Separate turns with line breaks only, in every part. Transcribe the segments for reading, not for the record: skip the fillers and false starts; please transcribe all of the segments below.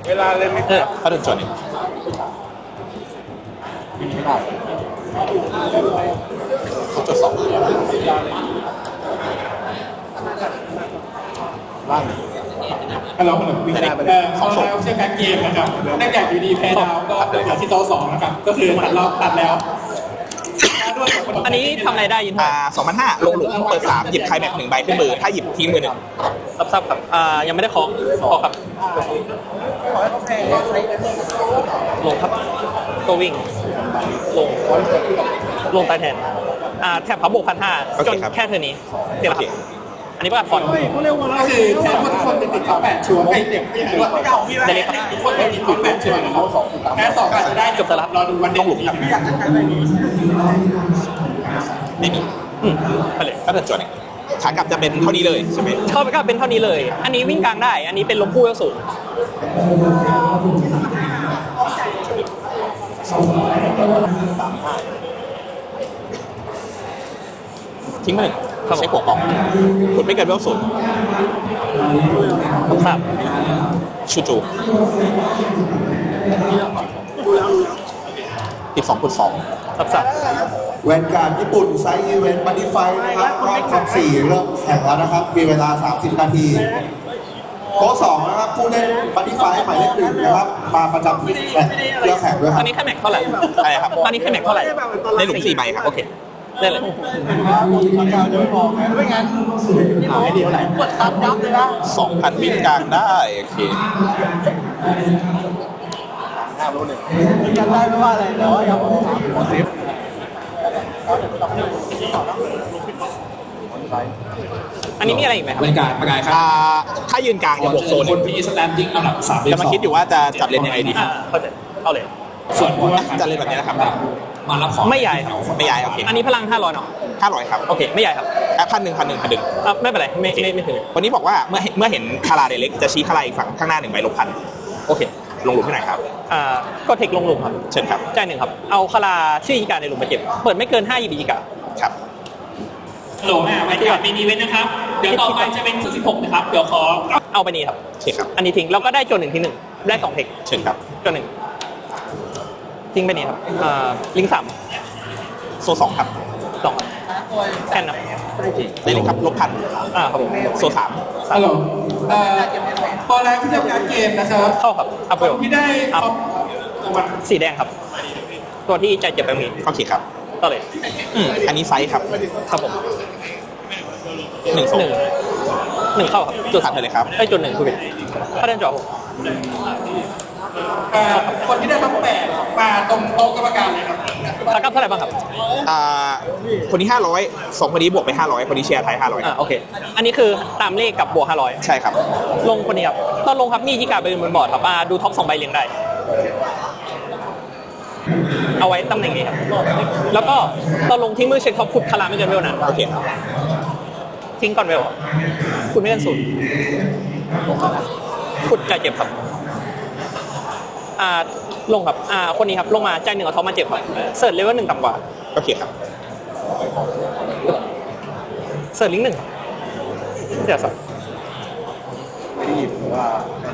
เวลาเล่นไม่ได้
ถ้าเดินจวนหนึ่งเขาจุดสอง
ล่างฮัลโหลวิ่งได้ไปเลยเขาใช้การเกมนะครับเนื่องจากอยู่ดีแพ้ดาวก็เกิดที่โต๊ะ2นะครับก็คือตัดแล้ว
อันนี้ทำอะไรได้ยิน
2,500ลงหลุมเปิด3หยิบใครแบบ1ใบขึ้นมือถ้าหยิบทิ้งมือ1
ซับครับยังไม่ได้เคาะครับลงครับตัววิ่งลงตายแทนแถบพับบวก1,500จนแค่เท่านี้เดี๋ยวครับอันนี้ประกาศฟอนต์
ก็คือแทนว่าทุกคนเป็นติดท็อป8ชัวร์ไม่เด็กไม่รู้ว่า
ได้เลยครับ
ทุกคนเป็นติดท็อป8ชัวร์นะครับแค่2อาจจะได้
จบแล้ว
รอดูวันเด็กครับ
ไม่มี
ไปเลย
ถ้าเดินจวนหนึ่งขากลับจะเป็นเท่านี้เลยใช่ไหม
เข้าไปก็เป็นเท่านี้เลยอันนี้วิ่งกลางได้อันนี้เป็นลมคู่สูง
ทิ้งมาหนึ่งใช้หัวกล่องขุดไม่เกินเวลศูนย์
ครับ
ชูจู12 ขุด 2
ครับ
แวนการ์ดญี่ปุ่นไซส์อีเวนต์บัดดี้ไฟนะครับรอบ4เริ่มแข่งแล้วนะครับมีเวลา30นาทีโต๊ะ2นะครับผู้เล่นบัดดี้ไฟหมายเลข1นะครับมาประจำที่เรื่องแข่งด้วยครับ
ตอนนี้แค่แม็กเท่าไหร่
อะไรครับ
ตอนนี้แค่แม็กเท่าไหร่
ในหลุม4ใบครับโอเค
ได้เลย
ไม่งั้นหายเดียวไหนปวดตับยับเลยนะ
2,000 วิ่งกลางได้โอเค
กันได้ไม่ว่าอะไรแต่ว่ายัง
อันนี้มีอะไรอีกไหมครับ
ประกาศครับ
ถ้ายืนกลางจะบวกโซน
คนพีสแตนดิ้งอันดับ3
จะมาคิดอยู่ว่าจะจัดเลนยังไงดี
เข้าใจเอาเลย
ส่วน
จะเลนแบบนี้นะครับ
มารับของ
ไม่ใหญ่
ไม่ใหญ่โอเค
อันนี้พลัง500เนาะ
500ครับ
โอเคไม่ใหญ่ครับ
1,000
ไม่เป็นไรไม่ถึง
วันนี้บอกว่าเมื่อเห็นคาราเดเล็กจะชี้คาราอีกฝั่งข้างหน้า1ใบลบพันโอเคลงหลุมที่ไหนครับ
ก็เทคลงหลุมครับ
เชิญครับ
จ่าย1ครับเอาคาราชื่ออีกาในหลุมมาเก็บเปิดไม่เกิน5อีกา
ครับ
โหลบรรยากาศเป็นอีเวนต์นะครับเดี๋ยวต่อไปจะเป็น16นะครับเดี๋ยวขอ
เอาไปนี้ครับ
เชิญครับ
อันนี้ทิ้งแล้วก็ได้จน1ที่1ได้2เทค
เชิญครับ
จน1ทิ้งไปนี้ครับลิง3
โซ2ครับ
2แค่นั้น
ได้เลยครับลบพัน
ครับผม
โซ3
ฮัลโหลพอแล้วที่ทำการเกมนะครับ
เข้าครับอัพเวล
ที่ได้
สีแดงครับตัวที่ใจเจ็บแบบนี้
โอเคครับ
ต่อเลย
อันนี้ไซส์ครับ
ครับผม1เข้าครับ
จุดถัดไปเลยครับ
ได้จุด1คือเป็นถ้าเดินจอ
คนที่ได้ท็อป8มาตรงโต๊ะกรรมการเลยครับ
ค่ากับเท่าไหร่บ้างครับ
คนนี้500 2คนนี้บวกไป500คนนี้เชียร์ไทย500
โอเคอันนี้คือตามเลขกับบวก500
ใช่ครับ
ลงคนนี้ครับตอนลงครับมีที่การเป็นบนบอร์ดครับดูท็อป2ใบเรียงได้เอาไว้ตำแหน่งนี้ครับแล้วก็ตอนลงทิ้งมือเช็คท็อปขุดคาราไม่เกินเวลนั้น
โอเค
ทิ้งก่อนเวลขุดไม่เกิน0ขุดจ่ายเจ็บครับลงครับคนนี้ครับลงมาจ่าย1เอาท็อปมาเจ็บครับเสิร์ชเลเวล1ต่ำกว่า
โอเคครับ
เสิร์ชลิงก์1เดี๋ยวสัก
ไม่ได้ยินว่า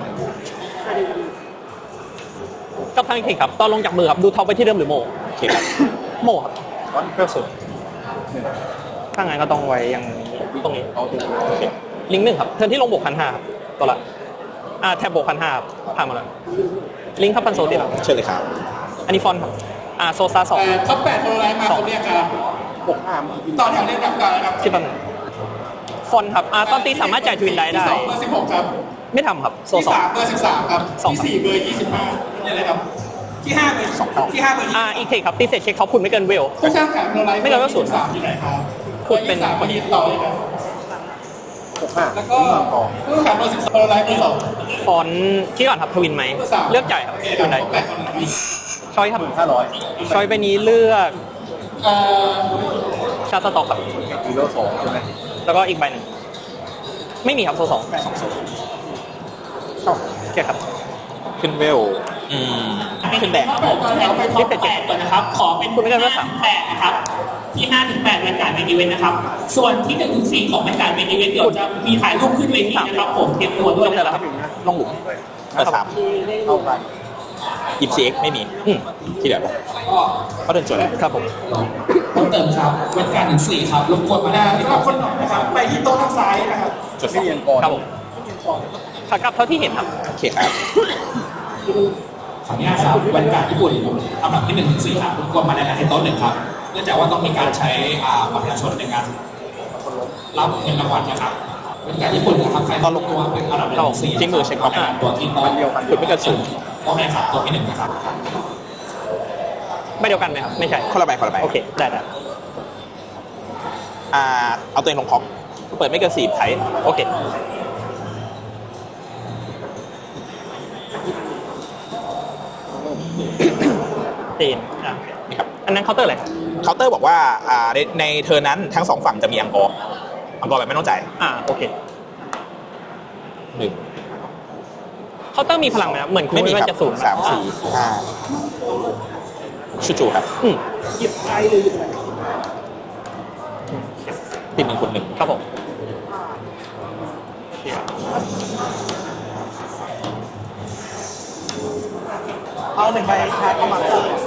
กับทางเทคครับตอนลงจากมือครับดูท็อปไปที่เดิมหรือโม
โอเคครับ
โมครับเพิ่มสุดถ้างั้นก็ต้องไว้อย่างตรงนี้ลิงก์1ครับเทิร์นที่ลงบวก1,500ครับตัวละแทบบวก1,500ครับผ่านมาแล้วลิงก์ครับพันโซดีครับ
เชิญเลยครับ
อันนี้ฟอนต์ครับโซซา2
ท็อป8โดนอะไรมาคนเรียกครับต่อแถวเรียกกับการครับ
ที่1ฟอนต์ครับตอนตีสามารถจ่ายทวินได้
ที่2เบอร์16ครับ
ไม่ทำครับโซ
2ที่3เบอร์13ครับที่4เบอร์25นี่เลยครับที่5เบอร์2ที่5เบอร์
อีกเทคครับตีเสร็จเช็คท็อปคุณไม่เกินเวล
ผู้สร้างแข่งโดนอะไร
ไม่เกินเวล0
ที่ไหนครับ
คุณเป็น
3มายืนต่อเลยครับแล้วก็ผู้ขับรถ12โดนอะไรเบอร์2
ฟอนต์ที่ก่อนครับทวินไหมเลือกจ่ายครับทวินได้ช้อยครับช้อยไปนี้เลือกชาร์ตสต็อกครับ
ฮีโร่2ใช่ไหม
แล้วก็อีกใบหนึ่งไม่มีครับโซ2โอเคครับ
ขึ้นเวล
ขึ้นแดง
ที่เป็น8นะครับขอเป็น
คุณไม่เกินเวล
8นะครับที่5ถึง8บรรยากาศเป็นอีเวนต์นะครับส่วนที่1ถึง4ของบรรยากาศเป็นอีเวนต์เดี๋ยวจะมีถ่ายรูปขึ้นเวทีนะครับผมเตรียมตัวด้วย
นะครับ
ลงหลุมเปิด3หยิบ CX ไม่มี ที่เหลือก็เดินจวน
ครับผม
ต้องเติมครับเว้นการ1-4ครับรบกวนมาได้สำหรับคนหน่อยนะครับไปที่โต๊ะทางซ้ายนะครับ
จด2
ครับผมขากลับเท่าที่เห็นครับ
โอเคครับ
ขออนุญาตครับบรรยากาศญี่ปุ่นลำดับที่1-4ครับรบกวนมาในที่โต๊ะ1ครับเนื่องจากว่าต้องมีการใช้บัตรประชาชนในการรับเงินรางวัลนะครับบรรยากาศญี่ปุ่นนะครับใครต้องลงตัวเป็นอันดับ1-4
ที่มือเช็คครับ
ตัวที่โต๊ะ
ขุดไม่เกิน
ต้องให้ครับตัวที่1นะครับ
ไม่เดียวกันไหมครับ ไม่ใช่
คนละใบคนละใบ
โอเค ได้
เอาตัวเองลงพ็อกเปิดไม่เกิน4ไทย
โอเค ตีน
นี่ครับ
อันนั้นเคาน์เตอร์อะไร
เคาน์เตอร์บอกว่าในเทอร์นั้นทั้ง2ฝั่งจะมีอังกอร์แบบไม่ต้องจ่าย
โอเค
1
เคาน์เตอร์มีพลังไหมครับ เหมือนคุณ
ไม่มี
ว่า
ครับ
จะศูนย์
3 4 5ชูจูครับ ติด1 คุณ 1
ครับผม
เอา1ใบชาร์จเข้ามา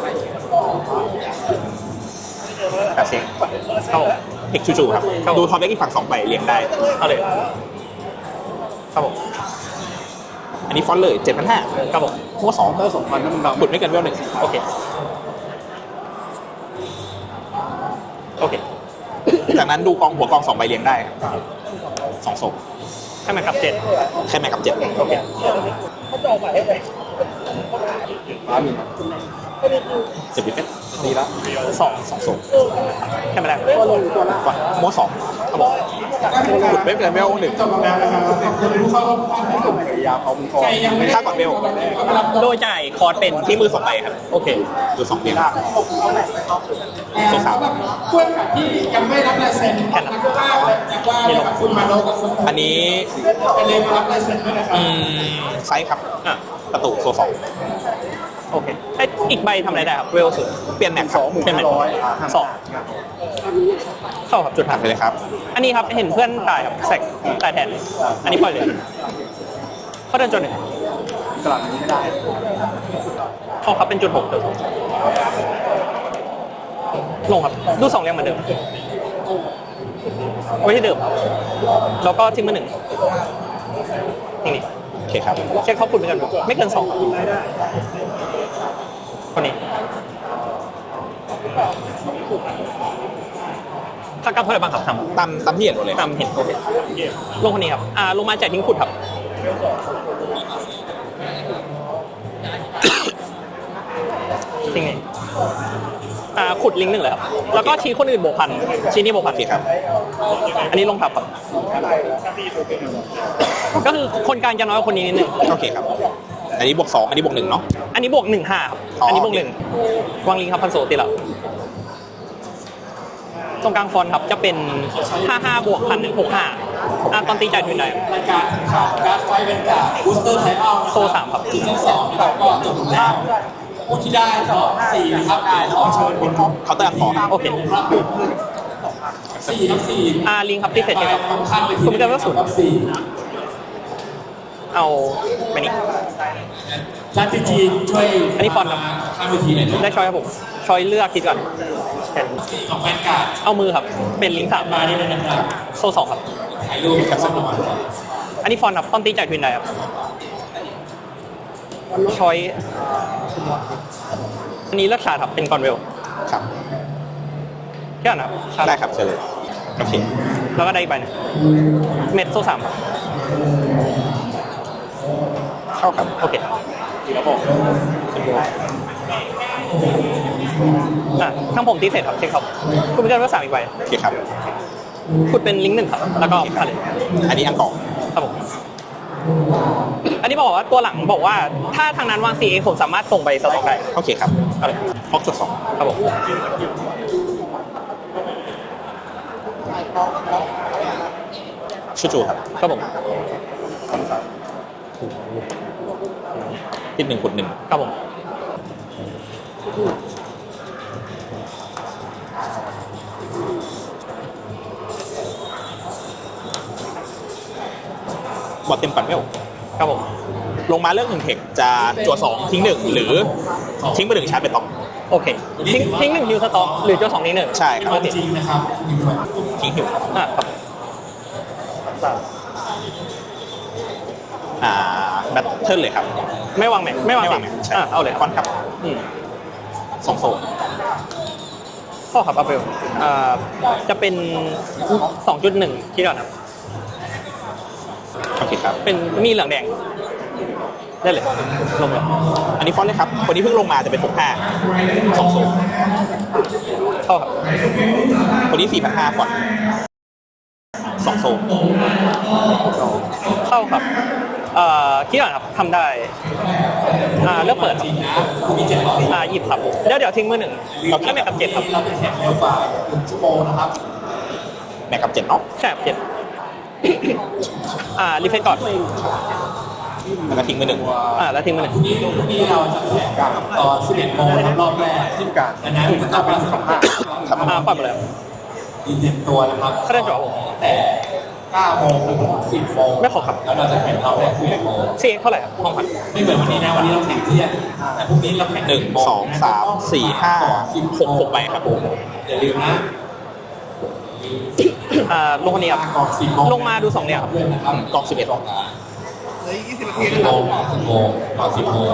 แบบเช็ค
เข้า
เอกชูจูครับ ดูท็อปเล็กอีกฝั่ง2ใบเรียงได้
เอาเลยครับผม
อันนี้ฟอนต์เลย 7,500
ครับผม
หัว2เตอร์2,000นั่นมันขุดไม่เกินเวล1
โอเค โอเค
จากนั้นดูหัวกอง2ใบเรียงได้2ศพ
ให้มันกลับ7
แค่แม่กับ7
โอเค
จะปิดเฟสดีแล้ว2ศพ
ให้มันได้
หัว2ครับผมขุดไม่เกินเวล1
จบแล้วนะครับคนรู้เข้าใครยังไม่ได้
ถ้าก่อนเวล
โดยจ่ายคอร์สเป็น
ที่มือ2ใบครับ
โอเค
ดู2เรียง
ตัวสามเพื่อนที่ยังไม่รับลายเซ็นนักล่าเลยจากว่ากับคุณมาโนกับคุณ
อันนี้
ไปเลยมารับลายเซ็นด้วยนะครับ
ไซส์ครับ
อ่ะ
ประตูโซ2
โอเคไอ้อีกใบทำอะไรได้ครับ เวลสุด
เปลี่ยนแม็กครับ
เป็นไหมสองเข้าครับจุด
ผ่า
หั
น
ก
ไปเลยครับ
อันนี้ครับเห็นเพื่อนตายครับแซกตายแทน อันนี้ปล่อยเลยเขาเดินจนหนึ่งกลับไม่ได้เข้าครับเป็นจุด6เดิมลงครับดู2เรียงเหมือนเดิมเอาไว้ที่เดิมครับแล้วก็ทิ้งมา1นี่
โอเคครับ
เช็คเขาคุณไปกันไม่เกิน2คนนี้ถ้ากลับเท่าไหร่บ้างครับทำ
ตามที่เห็นหมดเลย
ตามเห็นโอเคลงคนนี้ครับลงมาจ่ายทิ้งขุดครับทิ้งนี่ขุดลิงก์1เลยครับแล้วก็ชี้คนอื่นบวกพันชี้นี่บวกพัน
โอเคครับ
อันนี้ลงทับครับก็คือคนกลางจะน้อยกว่าคนนี้นิดนึง
โอเคครับ อันนี้บวก2อันนี้บวก1เนาะ
อันนี้บวก1 5ครับอันนี้บวก1วางลิงก์ครับพันโซติละตรงกลางฟอนต์ครับจะเป็น55บวก1,000 65ตอนตีจ่ายทุนได้
รายการข่าวการไฟเป็นการบูสเตอร์ไทเอา
โซ3ครับ
ซีซั่น2นะครับก็จบแล้วผู้ที่ได้ก็4นะครับขอเชิญบนครับ
เคาน์เตอร์ขอ
โอเค
4ครับ4
ลิงก์ครับที่เสร็จ
ไป
ครับ
ข้างไป
คุณไม่ได้ว่าศูนย์
ครับ4
เอาไปนี่
ชาติจีนช่วย
อันนี้ฟอนต์ครับ
ข้างเวทีหน่อย
ได้ช้อยครับผมช้อยเลือกคิดก่อน
ของแฟนการ์ด
เอามือครับเป็นลิงก์
มานี่เลยนะครับ
3โซ2ครับ
ถ่ายรูปกับส้มระวัง
อันนี้ฟอนต์ครับตอนตีจ่ายทุนได้ครับช้อยอันนี้เลือกชาร์จครับเป็นกอนเวล
ครับ
แค่นั้นครับชาร์จ
ได้ครับเชิญเลย โอเค
แล้วก็ได้อีกใบหนึงเม็ดโซ3ครับ
เข้าครับ
โอเคข้างผมตีเสร็จครับเช็คครับคุณไม่ได้ว่า3อีกใบ
โอเคครับ
คุณเป็นลิงก์1ครับแล้วก็ผ่านเลย
อันนี้อังกอร์
ครับผมอันนี้บอกว่าตัวหลังบอกว่าถ้าทางนั้นวาง CA ผมสามารถส่งไปสต็อกได้
โอเคครับ
เอาเลย
พ็อกจด2
ครับผม
ชูจูครับ
ครับผม
ติด1ขุด1
ครับผม
บอดเต็มปั่นเวล
ครับผม
ลงมาเรื่องหนึ่งเทคจะจั่ว2ทิ้ง1หรือทิ้งไป1ชาร์จเป็นต่อ
โอเคทิ้งหนึ่งฮิวสต็อกหรือเจ้าสองนี้หนึ่ง
ใช่ครับ
โอเค
จริงนะครับมีด้วย
ทิ้งหิว
ครับ
แบทเทิลเลยครับ
ไม่วางแม็กไม่วาง
ไม่วางแม็กใช่
เอาเลย
คอนครับ
อืม
2โซน
ข้อครับอัพเวลจะเป็น 2.1 คิดก่อนครับ
โอเคครับ
เป็นมีเหลืองแดง ได้เลยลงเลย
อันนี้ฟอนต์เลยครับคนที่เพิ่งลงมาจะเป็น65 2โซน
เข้าครับ
คนนี้4,500ฟอนต์2โซน
เข้าครับคิดก่อนครับทำได้เลือกเปิด
จริงนะคุณมี700
หยิบครับเดี๋ยวทิ้งมือหนึ่งแล้วแม็กกับ7ครับ
เราจะแข่งเร็วกว่า1ชั่วโมงนะครับ
แม็กกับ7เนาะ
ใช่ครับ7รีเฟซก่อน
แล้วก็ทิ้งไป1
แล้วทิ้งมือหนึ่ง
พรุ่งนี้เราจะแข่งกับตอน11โมงนะครับรอบแรกที่การดังนั้นก็ต้องเป็น15
ปล่อยไปเลย
ยืนเต็มตัวนะครับ
เขาได้จอผม
แต่9โมงถึง10โมง
ไม่ขอครับ
แล้วเราจะแข่งรอบแรก11โมง
ซีเท่าไหร่ครับห้องพัน
ไม่เหมือนวันนี้นะวันนี้เราแข่งเที่ยงแต่พรุ่งนี้เราแข่ง
1 2 3 4 5 6ใบครับผม
อย่าลืมนะ
ลงคนนี้ครับ
ก่อน10โมง
ลงมาดู2เนี่ยครับ
ด้วยนะครับ
กอง11
10โมง10โมงก่อน10โมง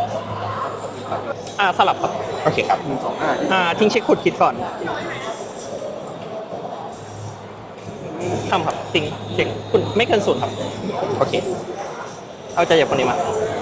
สลับครับ
โอเคครับ
ทิ้งเช็คขุดคิดก่อนทำครับทิ้งเช็คคุณไม่เกิน0ครับ
โอเค
เอาใจจากคนนี้มา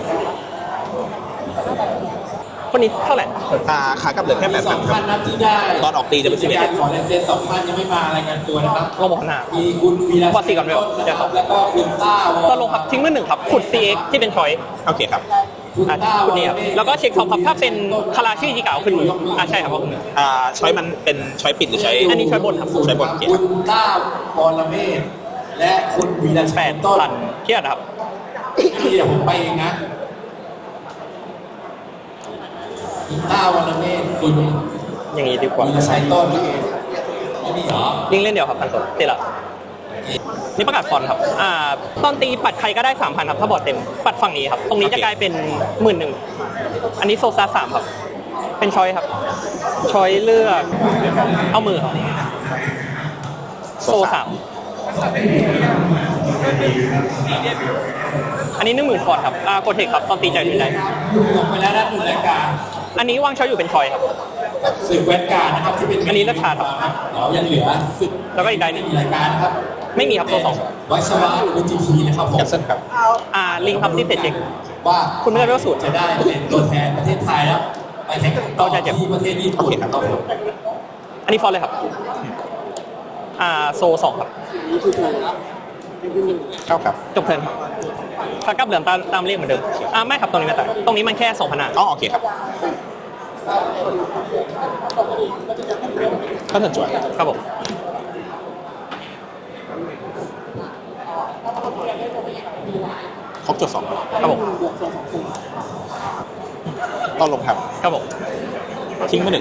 คนนี้เท่าไหร่
ขากลับเหลือแค่8,000
2,000
ครับ
นัดที่ได้
ตอนออกตีจะเป็น11
การขอลายเซ็น2,000ยังไม่มารายงานตัวนะครับ
ลงบอกหน้า
มีคุณวีระ
พอตีก่อนเร็ว
นะครับแล้วก็คุณต้าว
ก็ลงครับทิ้งมือหนึ่งครับขุด CX ที่เป็นชอย
โอเคครับ
คุณต้า
คุณนี่ครับแล้วก็เช็คท็อปครับถ้าเป็นคาราชื่อจีเก่าขึ้นมือใช่ครับว่าขึ้นมือ
ช้อยมันเป็นช้อยปิดหรือช้อย
อันนี้ช้อยบนครับ
ช้อยบนโอเค
คุ
ครับ
ณต้าวรเมศและคุณวีระชัยต้น
8,000เครียดครับ
ที่เดี๋ยวผมไปเองนะคุณต้าวรเมศคุณ
อย่างนี้ดีกว่า
วีระชัยต้นไม่มีเหรอ
ลิงเล่นเดียวครับพันสดติดละนี่ประกาศฟอนต์ครับตอนตีปัดใครก็ได้ 3,000ครับถ้าบอร์ดเต็มปัดฝั่งนี้ครับตรงนี้จะกลายเป็น11,000อันนี้โซซา3ครับเป็นชอยครับชอยเลือกเอามือครับโซ3อันนี้10,000ฟอนต์ครับโกเทคครับตอนตีใจถึงใจ
ลงไปแล้วนะหนึ่งรายการ
อันนี้วางชอยอยู่เป็นชอยครับ
ศึกแวนการ์ดนะครับที่เป็น
อันนี้ราคาครับ
เรายังเหลือศึก
แล้วก็อีกได้ห
ไม่
นึ่ง
มีรายการนะครับ
ไม่มีครับตัวสอง
วัชวะหรือ GT นะครับผม
แคนเซิลครับ
ลิงครับที่เสร็จเช็ค
ว่า
คุณไม่ได้เวลสูตร
จะได้เป็นตัวแทนประเทศไทยแล้วไปแข่งต่อที่ประเทศญี่ปุ่นครับผม
อันนี้ฟอนต์เลยครับโซ2ครับ
เข้าครับ
จบเทิร์นครับถ้ากลับเหลือตามเลขเหมือนเดิมไม่ครับตรงนี้ไม่ตายตรงนี้มันแค่2,000
อ๋อโอเคครับก็ถึงจวด
ครับผม
ครบจุด2
ครับผม
ต้องลงครับ
ครับผม
ทิ้งไป1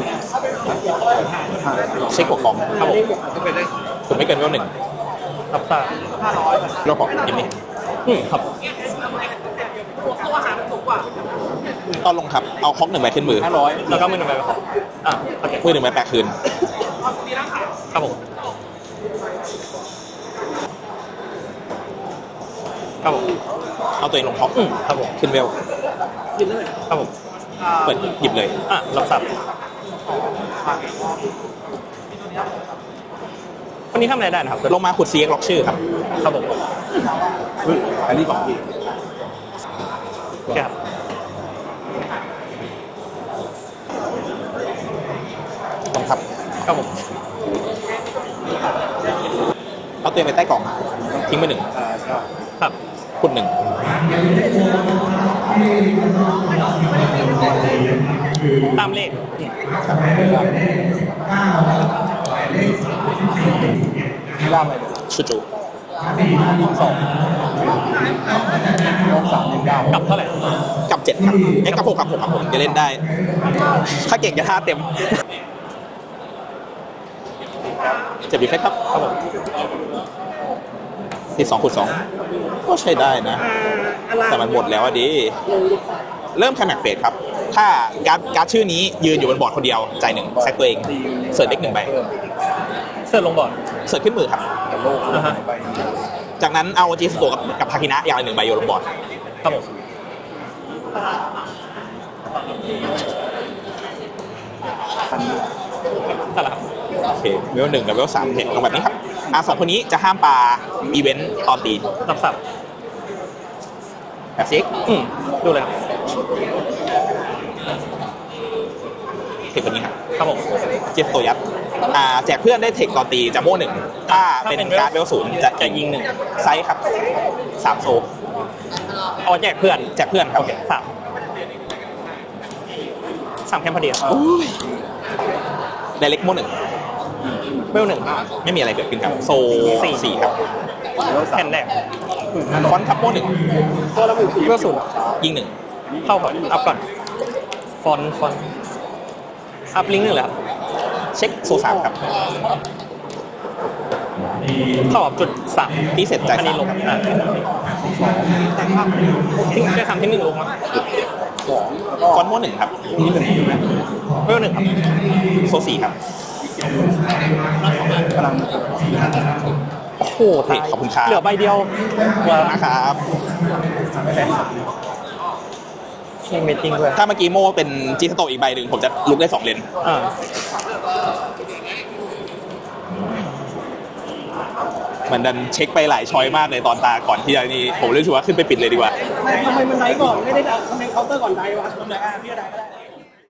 เช็คหัวกอง
ครับผม
ผมไม่เกินเวล1
รับทราบ
รอบบอกยังไม่
ครับ
ต้องลงครับเอาคอก1ใบขึ้นมือ
แล้วก็มือหนึ่งใบไปขอโอเค
มือ1ใบแปะคืน
ครับผมครับผม
เอาตัวเองลงคอก
ครับผม
ขึ้นเวล
ครับผม
เปิดหยิบเลย
รับทราบคนนี้ทำอะไรได้นะครับ
ลงมาขุด CX ล็อกชื่อครับ
ครับผม
อันนี้บอก
ครับ
ลงครับ
ครับผม
เอาตัวเองไปใต้กล่องทิ้งไป1
ครับ
ขุด1
ตามเลข
ชูจู
กับเท่าไหร่
กับ7ครับกับ6ครับ6ครับผมจะเล่นได้ ถ้าเก่งจะท่าเต็ม7ดีเฟคครับ
ครับผม
ติด2/2ก็ใช้ได้นะ แต่มันหมดแล้วอะดิ เริ่มแคมแม็กเฟสครับ ถ้าการ์ดชื่อนี้ยืนอยู่บนบอร์ดคนเดียวจ่ายหนึ่งแซกตัวเองเสิร์ชเด็ก1 ใบ
เสิร์ฟลงบอร์ด
เสิร์ชขึ้นมือครับ
อ่าฮะ
จากนั้นเอาจีสโตกับทาคินะอย่างละ1 ใบโยนลงบอร์ด
ครับผมนั่นแหละครับ
โอเคเวล1กับเวล3เห็นลงแบบนี้ครับสองคนนี้จะห้ามปาอีเวนต์ตอนตี
รับสับ
แบบซิก
ดูเลยครับ
เทคคนนี้ครับ
ครับผม
เจสโตยัดแจกเพื่อนได้เทคตอนตีจะโม่1ถ้าเป็นการ์ดเวล0จะยิง1ไซส์ครับ3โซ
เอาแจกเพื่อน
แจกเพื่อนครับ
โอเคสามแคมพอดีครับ
ไดเรกโม่1
เวล 1
ไม่มีอะไรเกิดขึ้นครับโซ4ครับ
แผ่นแรก
ฟอนต์ครับโม่1
เวล
ยิง
0เข้าครับอัพก่อนฟอนอัพลิงก์1เลยครับ
1เช็คโซ3ครับ
เข้ากับจุด3
ตีเสร็จจ่าย
อันนี้ลง
3
ทิ้งได้ทำที่1ลงมา
ฟอนต์โม่1ครับ
เวล 1ครับ
โซ4ครับ
โอ้โห
เฮ้ยขอบคุณครับ
เหลือใบเดียวว้าว
นะครับ
มีเมตติ้งด้วย
ถ้าเมื่อกี้โม่เป็นจีสโตอีกใบหนึ่งผมจะลุกได้2 เลน
อ่า
มันดันเช็คไปหลายช้อยมากเลยตอนตาก่อนที่จะนี่ผมเลือกชัวร์ขึ้นไปปิดเลยดีกว่า
ทำไมมันไดก่อน ไม่ได้ทำไมเคาน์เตอร์ก่อนไดวะทำไมพี่ก็ไดก็ได้